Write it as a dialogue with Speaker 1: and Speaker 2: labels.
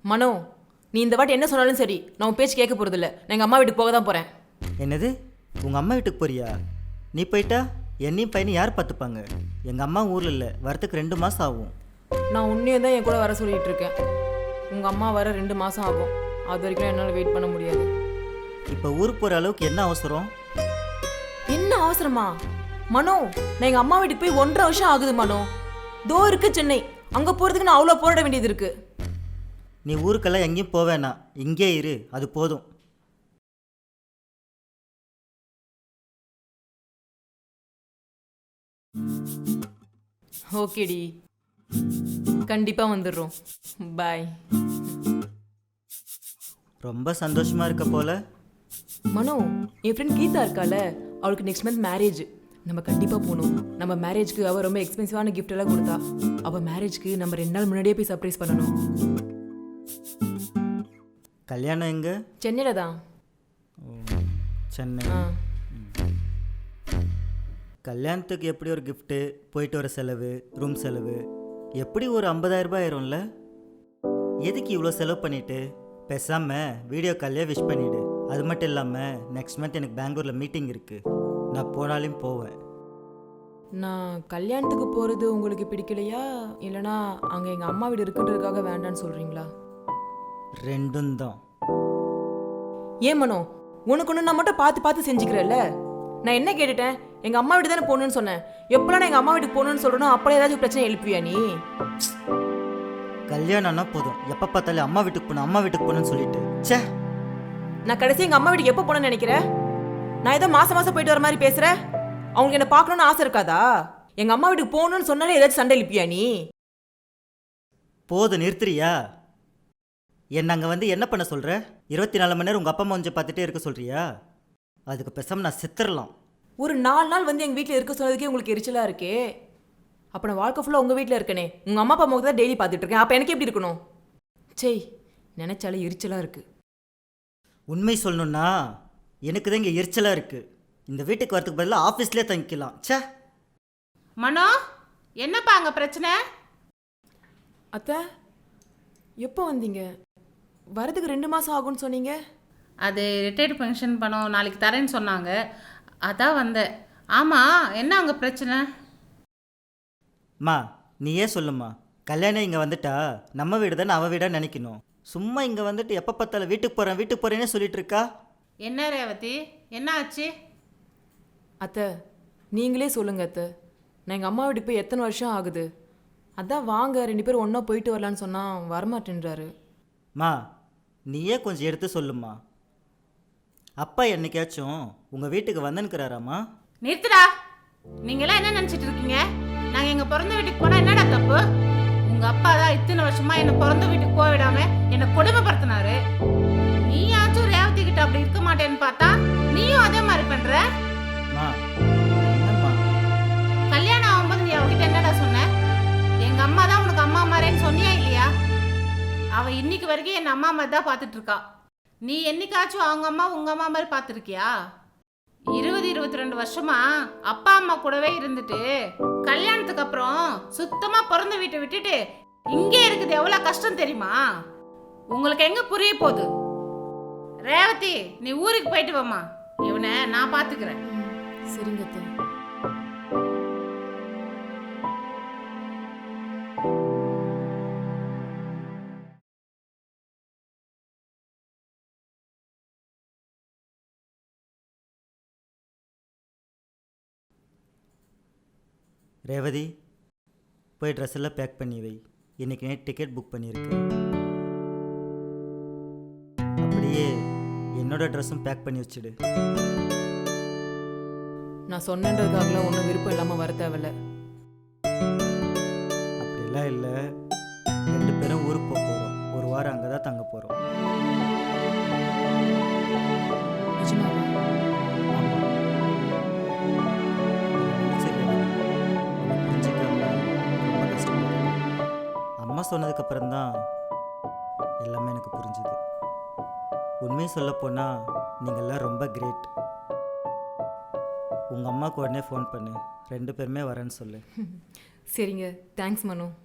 Speaker 1: மனோ, நீ இந்த வாட்டி என்ன சொன்னாலும் சரி, நான் உன் பேச்சு கேட்க போகிறதில்ல. நான் எங்கள் அம்மா வீட்டுக்கு போக தான் போகிறேன்.
Speaker 2: என்னது, உங்கள் அம்மா வீட்டுக்கு போறியா? நீ போயிட்டா என்னையும் பையனையும் யார் பார்த்துப்பாங்க? எங்கள் அம்மா ஊரில் இல்லை, வரத்துக்கு 2 மாதம் ஆகும்.
Speaker 1: நான் உன்னையே தான் என் கூட வர சொல்லிகிட்டு இருக்கேன். உங்கள் அம்மா வர 2 மாதம் ஆகும். அது வரைக்கும் என்னால் வெயிட் பண்ண முடியாது.
Speaker 2: இப்போ ஊருக்கு போகிற அளவுக்கு என்ன அவசரம்?
Speaker 1: என்ன அவசரமா? மனோ, நான் எங்கள் அம்மா வீட்டுக்கு போய் 1.5 வருஷம் ஆகுது மனோ. தோ இருக்கு சென்னை. அங்கே போகிறதுக்கு நான் அவ்வளோ போராட வேண்டியது இருக்குது.
Speaker 2: நீ ஊருக்கெல்லாம் எங்கேயும் போவேனா, இங்கே இரு, அது போதும்.
Speaker 1: ஓகேடி, கண்டிப்பாக வந்துடுறோம். பாய்.
Speaker 2: ரொம்ப சந்தோஷமாக இருக்க போல.
Speaker 1: மனோ, என் ஃப்ரெண்ட் கீதா இருக்கால, அவளுக்கு நெக்ஸ்ட் மந்த் மேரேஜ். நம்ம கண்டிப்பாக போகணும். நம்ம மேரேஜ்க்கு அவள் ரொம்ப எக்ஸ்பென்சிவான கிஃப்ட் எல்லாம் கொடுத்தா. அவள் மேரேஜ்க்கு நம்ம 2 நாள் முன்னாடியே போய் சர்ப்ரைஸ் பண்ணணும்.
Speaker 2: கல்யாணம் எங்கே?
Speaker 1: சென்னையில் தான்.
Speaker 2: சென்னை.
Speaker 1: ஆ,
Speaker 2: கல்யாணத்துக்கு எப்படி ஒரு கிஃப்ட்டு, போயிட்டு வர செலவு, ரூம் செலவு, எப்படி ஒரு 50,000 ரூபாய் ஆயிரும்ல? எதுக்கு இவ்வளோ செலவு பண்ணிவிட்டு பேசாமல் வீடியோ கால்லே விஷ் பண்ணிவிடு. அது மட்டும் இல்லாமல் நெக்ஸ்ட் மந்த் எனக்கு பெங்களூரில் மீட்டிங் இருக்குது. நான் போனாலும் போவேன்.
Speaker 1: நான் கல்யாணத்துக்கு போகிறது உங்களுக்கு பிடிக்கலையா, இல்லைனா அங்கே எங்கள் அம்மா வீடு இருக்குன்றதுக்காக வேண்டான்னு சொல்கிறீங்களா?
Speaker 2: 2ம் தான்.
Speaker 1: ஏன் மனோ, உனக்கு ஒன்று நான் மட்டும் பார்த்து பார்த்து செஞ்சுக்கிறேன்ல. நான் என்ன கேட்டுட்டேன்? எங்கள் அம்மா வீடு தானே போகணுன்னு சொன்னேன். எப்போலாம் நான் எங்கள் அம்மா வீட்டுக்கு போகணுன்னு சொல்கிறேனோ அப்போ ஏதாச்சும் பிரச்சனை எழுப்பியா நீ?
Speaker 2: கல்யாணம்னா போதும், எப்போ பார்த்தாலும் அம்மா வீட்டுக்கு போகணும், அம்மா வீட்டுக்கு போகணுன்னு சொல்லிட்டு சே.
Speaker 1: நான் கடைசி எங்கள் அம்மா வீட்டுக்கு எப்போ போகணுன்னு நினைக்கிறேன்? நான் ஏதோ மாதம் மாதம் போயிட்டு வர மாதிரி பேசுகிறேன். அவங்களுக்கு என்ன பார்க்கணுன்னு ஆசை இருக்காதா? எங்கள் அம்மா வீட்டுக்கு போகணுன்னு சொன்னாலே ஏதாச்சும் சண்டை எழுப்பியா நீ?
Speaker 2: போதும், நிறுத்துறியா? என்ன அங்கே வந்து என்ன பண்ண சொல்கிற? 24 மணி நேரம் உங்கள் அப்பா அம்மா கொஞ்சம் பார்த்துட்டே இருக்க சொல்கிறியா? அதுக்கு பேசாமல் நான் செத்துடலாம்.
Speaker 1: ஒரு 4 நாள் வந்து எங்கள் வீட்டில் இருக்க சொன்னதுக்கே உங்களுக்கு எரிச்சலாக இருக்கே. அப்போ நான் வாழ்க்கை ஃபுல்லாக உங்கள் வீட்டில் இருக்கனே. உங்கள் அம்மா அப்பா முகத்தை தான் டெய்லி பார்த்துட்டு இருக்கேன். அப்போ எனக்கு எப்படி இருக்கணும்? சரி, நினைச்சாலே எரிச்சலாக இருக்குது.
Speaker 2: உண்மை சொல்லணுன்னா எனக்கு தான் இங்கே எரிச்சலாக இருக்குது. இந்த வீட்டுக்கு வரதுக்கு பதிலாக ஆஃபீஸ்லேயே தங்கிக்கலாம். சே.
Speaker 3: மனோ, என்னப்பா அங்கே பிரச்சனை?
Speaker 1: அத்தை, எப்போ வந்தீங்க? வரதுக்கு 2 மாதம் ஆகும்னு சொன்னீங்க.
Speaker 3: அது ரிட்டையர்டு பென்ஷன் பணம் நாளைக்கு தரேன்னு சொன்னாங்க, அதான் வந்தேன். ஆமாம், என்ன அங்கே பிரச்சனை?
Speaker 2: மா, நீயே சொல்லுமா. கல்யாணம் இங்கே வந்துட்டா நம்ம வீடு தானே அவள் வீடாக நினைக்கணும். சும்மா இங்கே வந்துட்டு எப்போ பார்த்தாலும் வீட்டுக்கு போகிறேன்னே சொல்லிட்டு இருக்கா.
Speaker 3: என்ன ரேவதி, என்ன ஆச்சு?
Speaker 1: அத்தை, நீங்களே சொல்லுங்க அத்தை. நான் எங்கள் அம்மா வீட்டுக்கு போய் எத்தனை வருஷம் ஆகுது? அதான் வாங்க 2 பேரும் ஒன்றா போயிட்டு வரலான்னு சொன்னால் வரமாட்டேன்றாரு.
Speaker 2: மா, நீயே கொஞ்சம் எடுத்து சொல்லுமா. அப்பா என்னைக்காச்சும் உங்கள் வீட்டுக்கு வந்துன்னுக்கிறாராம்மா?
Speaker 3: நிறுத்துடா. நீங்களாம் என்ன நினச்சிட்டு இருக்கீங்க? நாங்கள் எங்கள் பிறந்த வீட்டுக்கு போனால் என்னடா தப்பு? உங்கள் அப்பா தான் இத்தனை வருஷமா என்னை பிறந்த வீட்டுக்கு போக விடாம என்னை கொடுமைப்படுத்தினாரு. நீயாச்சும் ரேவதி கிட்ட அப்படி இருக்க மாட்டேன்னு பார்த்தா நீயும் அதே மாதிரி பண்ற.
Speaker 2: மா, என்னம்மா?
Speaker 3: கல்யாணம் ஆகும்போது நீ அவகிட்ட என்னடா சொன்ன? எங்க அம்மா தான் உனக்கு அம்மா மாதிரின்னு சொன்னியா இல்லையா? அவ இன்னைக்கு வரைக்கும் என் அம்மா மாதிரி தான் பார்த்துட்டு இருக்கா. நீ என்னைக்காச்சும் அவங்க அம்மா உங்க அம்மா மாதிரி பார்த்துருக்கியா? 20-22 வருஷமா அப்பா அம்மா கூடவே இருந்துட்டு கல்யாணத்துக்கு அப்புறம் சுத்தமா பிறந்த வீட்டை விட்டுட்டு இங்கே இருக்குது எவ்வளவு கஷ்டம் தெரியுமா? உங்களுக்கு எங்க புரிய போகுது? ரேவதி, நீ ஊருக்கு போயிட்டு வாமா. இவனை நான் பாத்துக்கிறேன்.
Speaker 1: சரிங்க அத்தை.
Speaker 2: ரேவதி, போய் ட்ரெஸ் எல்லாம் பேக் பண்ணி வை. இன்னைக்கு நைட் டிக்கெட் புக் பண்ணியிருக்கேன். அப்படியே என்னோட ட்ரெஸ்ஸும் பேக் பண்ணி வச்சுடு.
Speaker 1: நான் சொன்னன்றதுக்காகலாம் ஒன்றும் விருப்பம் இல்லாமல் வர தேவையில்ல.
Speaker 2: அப்படிலாம் இல்லை, 2 பேரும் ஊருக்கு போக போகிறோம். 1 வாரம் அங்கே தான் தங்க போகிறோம்.
Speaker 1: நிஜமாவா?
Speaker 2: ஆமாம். சரி, உன்னை புரிஞ்சுக்காம ரொம்ப கஷ்டப்பட்டேன். அம்மா சொன்னதுக்கப்புறம் தான் எல்லாமே எனக்கு புரிஞ்சுது. உண்மையை சொல்லப்போனால் நீங்கள்லாம் ரொம்ப கிரேட். உங்கள் அம்மாவுக்கு உடனே ஃபோன் பண்ணு, 2 பேருமே வரேன்னு சொல்லு.
Speaker 1: சரிங்க, தேங்க்ஸ் மனோ.